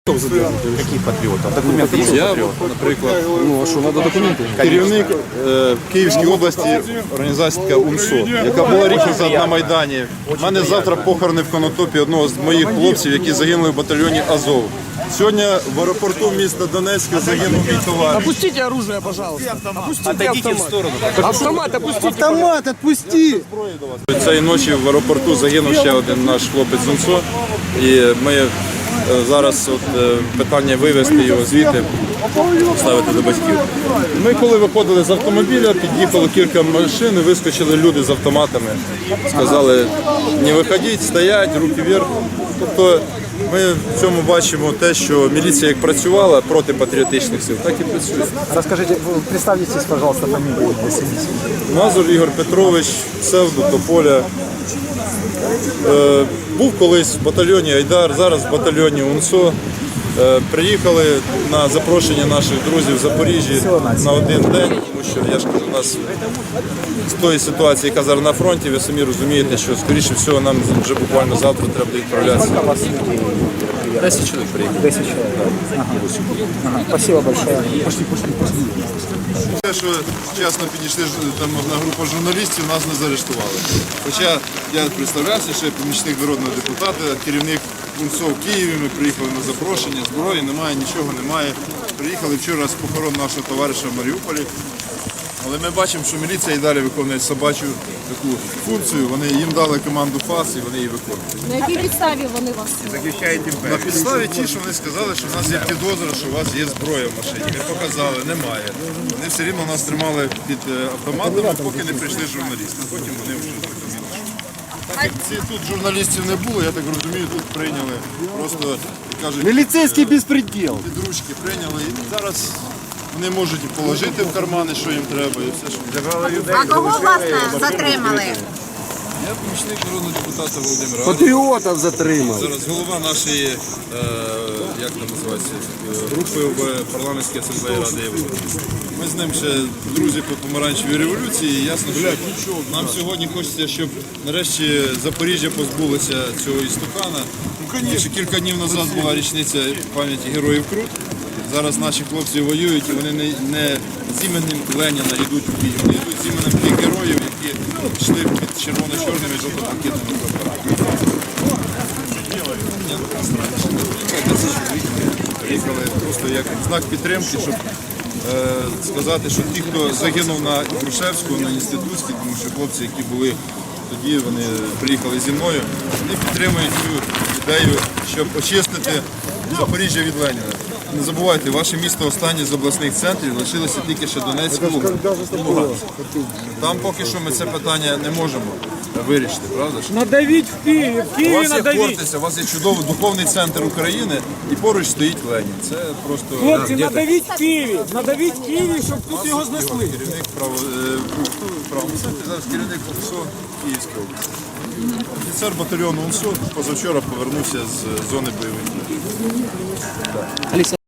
Каких патріотів? Документи є Я, патріотів? наприклад, Ну, а що, треба документи? керівник в Київській області організації така УНСО, яка була рік назад на Майдані. У мене завтра похорони в Конотопі одного з моїх хлопців, які загинули в батальйоні Азов. Сьогодні в аеропорту міста Донецька загинув мій товариш. Опустите оружие, пожалуйста. Опустите Отойдите в сторону. автомат, опустите. Автомат, отпусти. Цієї ночі в аеропорту загинув ще один наш хлопець з УНСО. І ми зараз питання вивезти його звідти, ставити до батьків. Ми коли виходили з автомобіля, під'їхало кілька машин, і вискочили люди з автоматами. Сказали, не виходіть, стоять, руки вверх. Тобто ми в цьому бачимо те, що міліція як працювала проти патріотичних сил, так і працює. Расскажите, представьтесь, пожалуйста, фамилию для семьи. Мазур Ігор Петрович, псевдо Тополя. Був колись в батальйоні Айдар, зараз в батальйоні УНСО. Приїхали на запрошення наших друзів в Запоріжжі на один день, тому що, я ж кажу, у нас з тої ситуації, яка зараз на фронті, ви самі розумієте, що, скоріше всього, нам вже буквально завтра треба відправлятися. 10 чоловік приїхали. 10 человек. Ага. Спасибо большое. Пошли. Те, що вчасно підійшли там одна група журналістів, нас не заарештували. Хоча я представлявся, що я помічник народного депутата, керівник УНСО в Києві, ми приїхали на запрошення, зброї немає, нічого немає. Приїхали вчора з похорон нашого товариша в Маріуполі. Але ми бачимо, що міліція і далі виконує собачу таку функцію. Вони їм дали команду ФАС і вони її виконують. На якій підставі вони вас? На підставі ті, що вони сказали, що в нас є підозра, що у вас є зброя в машині. Ми показали, немає. Вони все рівно нас тримали під автоматами, поки не прийшли журналісти. Потім вони вже зрозуміли, що. Так як тут журналістів не було, я так розумію, тут прийняли просто, як кажуть, Милицейский беспредел. під ручки прийняли. І зараз вони можуть і положити в кармани, що їм треба, і все, що А кого власне затримали? Я помічник народного депутата Володимира. Патріотів затримали. Зараз голова нашої, як там називається, групи в парламентській асамблеї Ради Європи. Ми з ним ще друзі по помаранчевій революції. І ясно, що нам сьогодні хочеться, щоб нарешті Запоріжжя позбулося цього істукана. Ще кілька днів назад була річниця пам'яті героїв Крут. Зараз наші хлопці воюють і вони не з іменем Леніна йдуть в бій, вони йдуть з іменем тих героїв, які йшли під червоно-чорними і жовто-блакитними прапорами. Приїхали просто як знак підтримки, щоб сказати, що ті, хто загинув на Грушевську, на Інститутській, тому що хлопці, які були тоді, вони приїхали зі мною, вони підтримують цю ідею, щоб очистити Запоріжжя від Леніна. Не забувайте, ваше місто останнє з обласних центрів, лишилося тільки ще Донецьк і Луганськ. Там поки що ми це питання не можемо вирішити, правда ж? Надавить в Киеве, в У Киеве вас є надавить. Хортиця, у вас є чудовий духовний центр України і поруч стоїть Ленін. Це просто Хлопці, надавить в Києві. Надавить в Києві, щоб тут його знесли. керівник правого центру, зараз керівник УНСО Київської області. Офіцер батальйону УНСО позавчора повернувся з зони бойових дій.